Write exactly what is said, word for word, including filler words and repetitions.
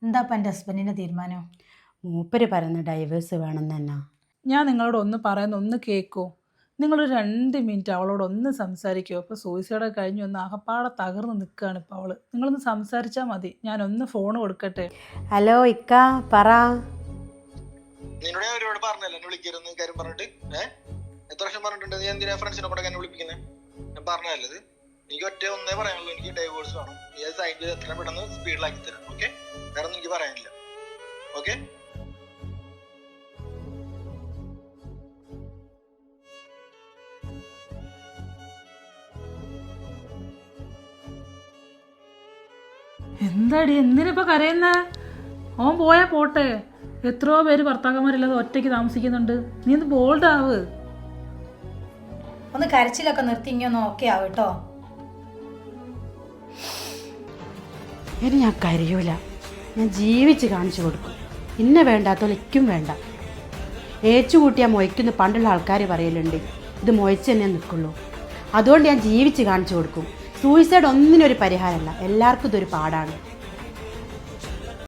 എന്താ ഇപ്പം എൻ്റെ ഹസ്ബൻഡിൻ്റെ തീരുമാനം? മൂപ്പര് പറയുന്ന ഡൈവേഴ്സ് വേണം തന്നെ. ഞാൻ നിങ്ങളോട് ഒന്ന് പറയുന്ന ഒന്ന് കേൾക്കോ? നിങ്ങളൊരു രണ്ട് മിനിറ്റ് അവളോട് ഒന്ന് സംസാരിക്കുമോ? ഇപ്പോൾ സൂയിസൈഡ് കഴിഞ്ഞ് ഒന്ന് അകപ്പാടെ തകർന്ന് നിൽക്കുകയാണ് ഇപ്പോൾ അവള്. നിങ്ങളൊന്ന് സംസാരിച്ചാൽ മതി. ഞാനൊന്ന് ഫോൺ കൊടുക്കട്ടെ. ഹലോ ഇക്ക, പറ. നിന്നോട് ഞാൻ ഒരുപാട് പറഞ്ഞല്ലോ എന്നെ വിളിക്കരുന്ന് കാര്യം പറഞ്ഞിട്ട്. ഏഹ് എത്ര വർഷം പറഞ്ഞിട്ടുണ്ട്? നീ എന്തിനാ ഫ്രണ്ട്സിനെ കൂടെ എന്നെ വിളിപ്പിക്കുന്നത്? ഞാൻ പറഞ്ഞതല്ലത്. എനിക്ക് ഒറ്റ ഒന്നേ പറയാനുള്ളൂ, എനിക്ക് ഡൈവോഴ്സ് വേണം. നീ അത് സൈൻ ചെയ്ത് എത്ര പെട്ടെന്ന് സ്പീഡിലാക്കി തരാം. ഓക്കെ, വേറെ ഒന്നും എനിക്ക് പറയാനില്ല. ഓക്കെ. എന്താടി എന്തിനിപ്പോൾ കരയുന്നേ? ഓൻ പോയാൽ പോട്ടെ. എത്രയോ പേര് ഭർത്താക്കന്മാരില്ലാതെ ഒറ്റയ്ക്ക് താമസിക്കുന്നുണ്ട്. നീ ഒന്ന് ബോൾഡ് ആവ്. ഒന്ന് കരച്ചിലൊക്കെ നിർത്തി ഇങ്ങനെ ഓക്കെ ആവും കേട്ടോ. ഇനി ഞാൻ കരയൂല, ഞാൻ ജീവിച്ച് കാണിച്ചു കൊടുക്കും. ഇന്നെ വേണ്ടാത്തൊലിക്കും വേണ്ട. ഏച്ചു കൂട്ടിയാൽ മൊയ്ക്കുന്ന പണ്ടുള്ള ആൾക്കാർ പറയലുണ്ട്, ഇത് മൊയ്ച്ച് തന്നെ നിൽക്കുള്ളൂ. അതുകൊണ്ട് ഞാൻ ജീവിച്ച് കാണിച്ചു കൊടുക്കും. സൂയിസൈഡ് ഒന്നിനൊരു പരിഹാരമല്ല, എല്ലാവർക്കും ഇതൊരു പാടാണ്.